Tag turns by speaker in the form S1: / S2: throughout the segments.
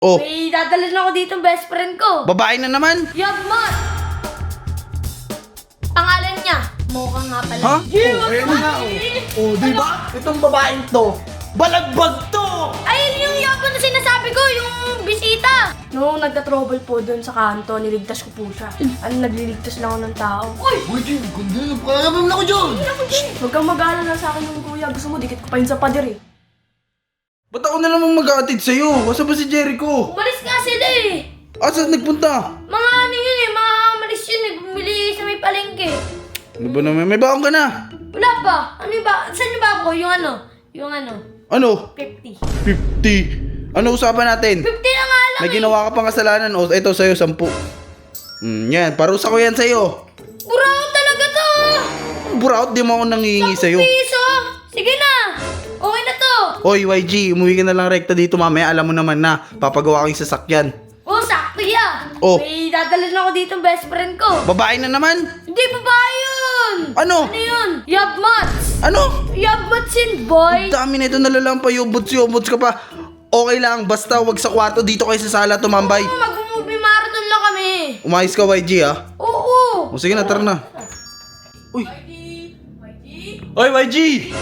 S1: Oh,
S2: May dadalhin ako dito ng best friend ko.
S1: babae na naman?
S2: Yabmat! Pangalan niya, Mocha nga pala.
S1: Ha?
S3: Ayan na oh. Di ba? Itong babaeng to, balagbag to!
S2: Ayun yung yabot na sinasabi ko, yung bisita. No, nagka-trouble po doon sa kanto, niligtas ko po siya. Nagliligtas lang ako ng tao. Uy!
S3: Uy, Jim, kundi na, pakakabam na ko dyan!
S2: Huwag kang mag-aalala sa akin yung kuya. Gusto mo, dikit ko pa yun sa pader eh.
S1: Ba't ako na naman mag-aatid sa'yo? Asa ba si Jericho?
S2: Umalis nga sila eh.
S1: Asa nagpunta?
S2: Mga ano yun eh, mga malis yun eh. Bumili sa may palengke.
S1: Ano ba naman? May baon ka na?
S2: Wala pa. Ano yung ba? Saan yung ba ako? Yung ano?
S1: Ano?
S2: 50.
S1: 50. Ano usapan natin?
S2: 50 na nga lang
S1: May
S2: eh.
S1: ginawa ka pang kasalanan. O, ito sa'yo, 10. Yan. Parusa ko yan sa'yo.
S2: Buraw talaga to.
S1: Buraot, di mo ako nangihingi sa'yo.
S2: Piso. Sige na. Okay na to.
S1: Hoy, YG, umuwi ka na lang rekta dito mamaya. Alam mo naman na, papagawa ko yung sasakyan.
S2: Oh, sakto yan.
S1: Oh.
S2: May dadalhin ako dito ng best friend ko.
S1: Babae na naman?
S2: Hindi, babae yun.
S1: Ano?
S2: Ano yun? Yabmats.
S1: Ano?
S2: Yabmats yun, boy.
S1: Ang dami na ito nalalampay. Yobots ka pa. Okay lang, basta wag sa kwarto. Dito kayo sa sala tumambay.
S2: Mag-movie marathon lang kami.
S1: Umayos ka, YG, ha?
S2: Oo.
S1: O sige na, tara na. Uy.
S2: YG?
S1: Oy, YG!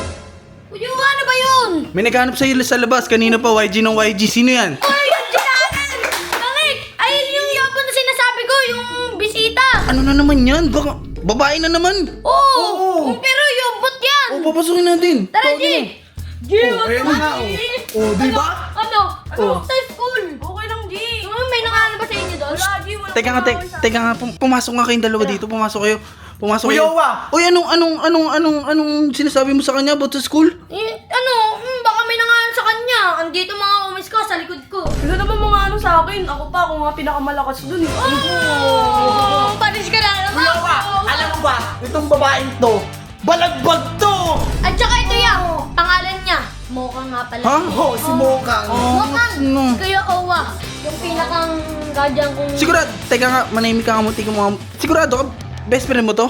S2: Uy, ano ba yun?
S1: May naghanap sa'yo sa labas. Kanina pa, YG ng YG. Sino yan?
S2: Ay, yung dinanan! Langik! Ayun yung yabon na sinasabi ko, yung bisita.
S1: Ano na naman yan? Baka babae na naman.
S2: Oo! Pero yobot yan!
S1: O, papasukin natin.
S2: Tara, G! G,
S3: ayan na oh. Di ba?
S2: Ano? Sa school? Okay lang, G. May nangalan ba sa inyo doon? Wala, G. Wala.
S1: Teka nga, pumasok nga kayong dalawa dito. Pumasok kayo. Pumasok
S3: Kuya
S1: kayo.
S3: Owa!
S1: Uy, anong sinasabi mo sa kanya about sa school?
S2: Baka may nangalan sa kanya. Andito mga umis ko sa likod ko.
S4: Wala naman mga ano sa akin. Ako pa, ako nga pinakamalakas dun eh.
S2: Oh! Panis ka na naman.
S3: Kuya Owa! Alam mo ba? Itong babaeng to, balagbag to!
S2: At saka ito yan. Pangalan niya. Mocha nga pala.
S1: Ha?
S3: Oh, si Mokang.
S2: Mocha.
S1: ano?
S2: Kuya Owa. Yung pinakang guardian kong...
S1: Sigurado, teka nga, manahimik ka nga mo, tika mo. Sigurado ka, best friend mo to?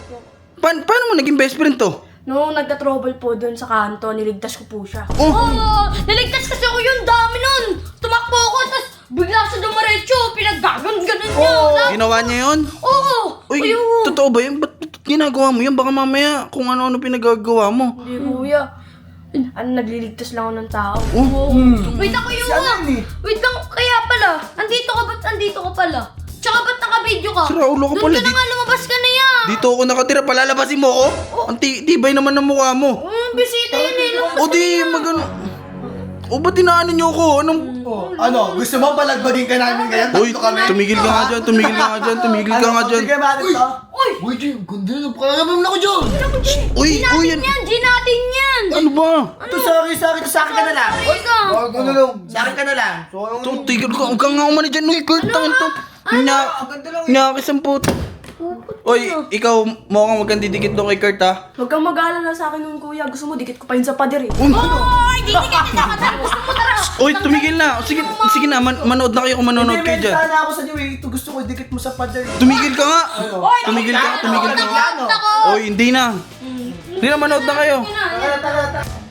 S1: Paano mo naging best friend to?
S4: No, nagka-trouble po dun sa kanto, niligtas ko po siya.
S1: Oh,
S2: Oo! Naligtas kasi ako yun. Dami nun. Tumakbo ako. Tapos bigla siya dumaretso. Pinaggagan-ganon niya.
S1: ginawa niya yun?
S2: Oo!
S1: Uy,
S2: Ayun.
S1: totoo ba yun? Ba't ginagawa mo yun? Baka mamaya kung ano-ano pinagagawa mo.
S4: Hindi kuya. Nagliligtas lang ako ng tao.
S1: Oh,
S2: Wait ako yung...
S3: Si ano yun eh?
S2: Wait lang. Kaya pala. Andito ka. Ba't andito ka pala? Tsaka ba't naka-video ka?
S1: Sira ulo ka pala,
S2: Doon ka na nga lumabas ka na yan.
S1: dito ako nakatira, palalabasin mo ako? Ang tibay naman ng mukha mo.
S2: Bisita yun eh. Lumabas
S1: O di, magano. O ba't inaano niyo ako? Anong...
S3: Oh, ano? Gusto mo balagbagin ka namin kaya?
S1: Uy,
S3: Tatlo kami?
S1: tumigil ka nga dyan, tumigil ka nga dyan, tumigil ka nga dyan.
S3: Sige, bakit to?
S2: Uy!
S3: Uy, Jim, kundi na, pakakabam na ko dyan!
S1: Uy, uy,
S2: Natin yan. G natin yan.
S1: ano ba?
S3: Ito, sorry, sa akin ka na lang.
S2: Uy ka.
S3: Ano lang? Sa akin ka na lang. So,
S1: Ito, tigil ka, huwag kang nga umani dyan. Uy, Kurt, tangin to.
S3: ang ganda lang.
S1: Nyakis ang puto. Uy, ikaw, mukhang huwag kang didikit doon kay Kurt, ha?
S4: Huwag kang mag-aalala sa akin nun kuya. Gusto mo, dikit ko pa yun sa pader eh.
S1: Uy,
S2: Oy! Di ka kita ka. Gusto mo tara.
S1: uy, tumigil na. Sige na, manood na kayo kung manonood
S3: Hindi,
S1: kayo
S3: may
S1: dyan.
S3: sana ako sa iyo eh. Ito gusto ko, dikit mo sa pader.
S1: Tumigil ka nga.
S2: Oy!
S1: Tumigil ka, tumigil ka.
S3: Ano?
S2: Ako.
S1: Uy, hindi na. Hindi na, manood na kayo.
S2: Yan na, yan.
S3: Tara, tara, tara.